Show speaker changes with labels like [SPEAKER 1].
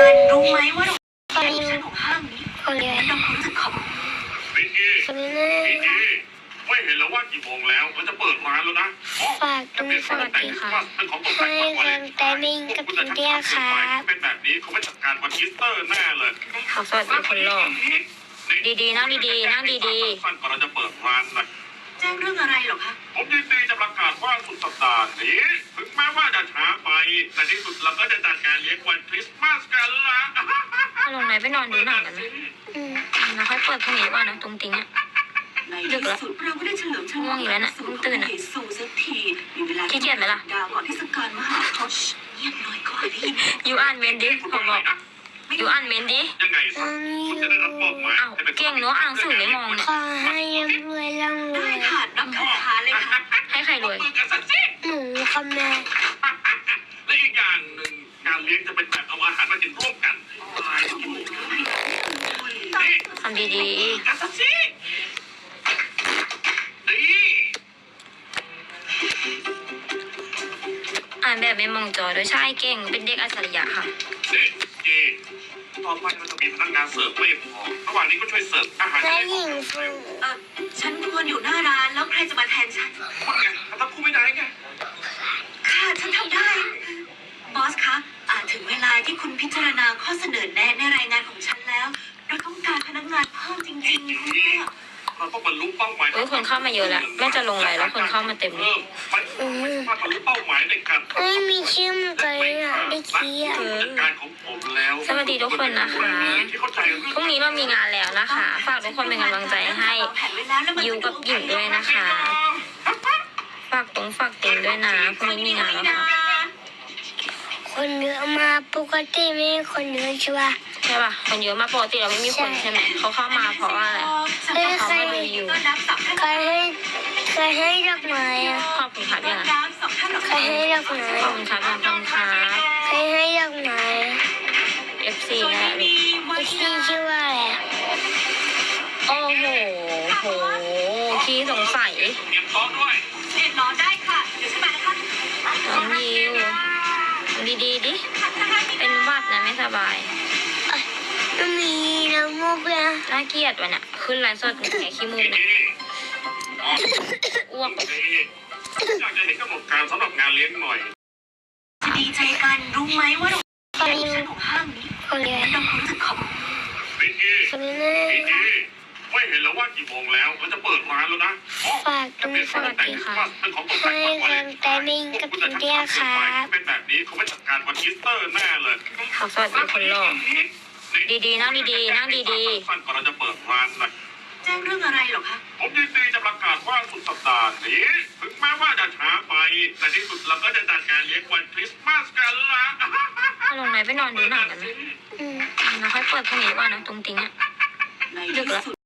[SPEAKER 1] กันรู้ไหมว่าโรงแรมของห้างนี้ทำความรู้สึกของ
[SPEAKER 2] วิกกี้วิกกี้ไม่เห็นแล้วว่ากี่โมงแล้วมันจะเปิดร้านแล้วนะ
[SPEAKER 3] ฝากด้วยสวัสดีค่ะให้กำลังใจมิงกับพี่เดียค่ะ
[SPEAKER 2] เป็นแบบนี้เขาไม่จัดการวันอีสเตอร์แน่เลย
[SPEAKER 3] สวัสดีคนหล่อดีๆนั่งดีๆนั่งดี
[SPEAKER 2] ๆก่อนเราจะเปิดร้านนะ
[SPEAKER 1] แจ้งเรื่องอะไรหรอคะ
[SPEAKER 2] ผมยินดีจะประกาศว่าสุดสัปดาห์นี้ถึงแม้ว่าจะช้าไปแต่ที่สุดเราก็จะจัดการเลี้ยงวันคริสต์มาสกันละ
[SPEAKER 3] ลงไหนไปนอนดูหนังกันไหมแล้วค่อยเปิดพรุ่งนี้ว่านะตรงติงอ่ะ
[SPEAKER 1] ดึกแล้วเราไม่ได้เฉลิมฉลอง
[SPEAKER 3] ตื่นอ่ะ
[SPEAKER 1] สักทีมีเวลา
[SPEAKER 3] ขี้เกียจไหมล่ะ
[SPEAKER 1] ดาวก่อนที่สการมหาพจน์เงียบหน่อยก็ได้ยิน
[SPEAKER 3] อยู่อ่านเมนดิเขาบอกอยู่อ่านเมนดิ
[SPEAKER 2] ยังไงคุณจะได้รับมอบหมาย
[SPEAKER 3] เก่งเนาะอ่านสื่อไม่มองเนี่ย
[SPEAKER 4] ขอให้รวยร่ำรวย
[SPEAKER 1] ค่ะนับคาถาเลยค่ะ
[SPEAKER 3] ให้ใครรวย
[SPEAKER 4] หนูค่ะแม่
[SPEAKER 2] และอีกอย่างหนึ่งงานเลี้ยงจะเป็นแบบเอาอาหารมากินร่วมกัน
[SPEAKER 3] ทำดีอ่านแบบไม่มองจอโดยใช่เก่งเป็นเด็กอัจฉริยะค่ะ
[SPEAKER 2] ต่อไปเราจะมีพนักงานเสิร์ฟไม่พอระหว่างนี้ก็ช่วยเสิร์ฟอาหาร
[SPEAKER 4] และหญิงฟู
[SPEAKER 1] ฉันควรอยู่หน้าร้านแล้วใครจะมาแทนฉัน
[SPEAKER 2] ว่าไงถ้าพูดไม่ได้ไง
[SPEAKER 1] ค่ะฉันทำได้บอสคะถึงเวลาที่คุณพิจารณาข้อเสนอแนะในรายงานของฉันแล้วเราต้องการพนักงานเพิ่มจริงๆคุณแม่
[SPEAKER 2] เราต้องบรรลุเป้าหมาย
[SPEAKER 3] คนเข้ามาเยอะแล้วแม่จะลงไลน์แล้วคนเข้ามาเต็มเลย
[SPEAKER 2] มาบรรลุเป้าหมายในการ
[SPEAKER 4] ไม่มีชื่อมันเลยอ่ะได้ขี้อ่ะ
[SPEAKER 2] การของผมแล้ว
[SPEAKER 3] สวัสดีทุกคนนะคะพรุ่งนี้เรามีงานแล้วนะคะฝากทุกคนเป็นกำลังใจให้ยูกับหญิงด้วยนะคะฝากติงด้วยนะพรุ่งนี้มีงานแล้วค่ะ
[SPEAKER 4] คนเยอะมาปกติไม่มีคนเยอะใช่ป่ะ
[SPEAKER 3] คนเยอะมาปกติเราไม่มีคนใช่ไหมเขาเข้ามาเพราะว่าอะไรเขาไม่มีอยู่
[SPEAKER 4] ใครให้ดอกไม้อ่ะ
[SPEAKER 3] ขอบคุณครับยัง
[SPEAKER 4] ใครให้ดอกไม้
[SPEAKER 3] ขอบคุณครับยังขอบคุณครับ
[SPEAKER 4] ใครให้ดอกไม้
[SPEAKER 3] FC นะ
[SPEAKER 4] FC ชื่อว่าอะไร
[SPEAKER 3] โอ้โหขี้สงสัย
[SPEAKER 2] เตรียมซ้อมด้วย
[SPEAKER 1] รอได้ค่ะเดี๋ยวฉันมานะคะ
[SPEAKER 3] น้องยิวดีดิเป็นวัดนะไม่สบาย
[SPEAKER 4] มันมีน้ำมูกเลย
[SPEAKER 3] น่าเกลียดวะเนี่ยขึ้นไลฟ์สดแค่ขี้มูกเนี่ยอ้วก
[SPEAKER 2] อยากจะเห็นกำหนดการสำหรับงานเลี้ยงหน่อย
[SPEAKER 1] จะดีใจกันรู้ไหมว่าโรงแรมของห้างนี้ทำความรู้สึกของ
[SPEAKER 2] วิกกี้ไม่เห็นแล้วว่ากี่โมงแล้วมันจะเปิดร้านแล้วนะ
[SPEAKER 4] ฝากด้วยสวัสดีค่ะให้กำลังใจมิงกับพี่เดียค่ะ
[SPEAKER 2] เป็นแบบนี้เขาไม่จัดการวันอีสเตอร์แน่เลย
[SPEAKER 3] สวัสดีคนหล่อดีๆนั่งดีๆนั่งดี
[SPEAKER 2] ๆก่อนเราจะเปิดร้านนะ
[SPEAKER 1] แจ้งเรื่องอะไรหรอคะ
[SPEAKER 2] ผมยินดีจะประกาศว่าสุดสัปดาห์นี้ถึงแม้ว่าจะช้าไปแต่ที่สุดเราก็จะจัดการเลี้ยงวันคริสต์มาสกันละ
[SPEAKER 3] ลงไหนไปนอนดูหนังกันไหมแล้วค่อยเปิดพรุ่งนี้ว่านะตรงติงอ่ะดึกแล้ว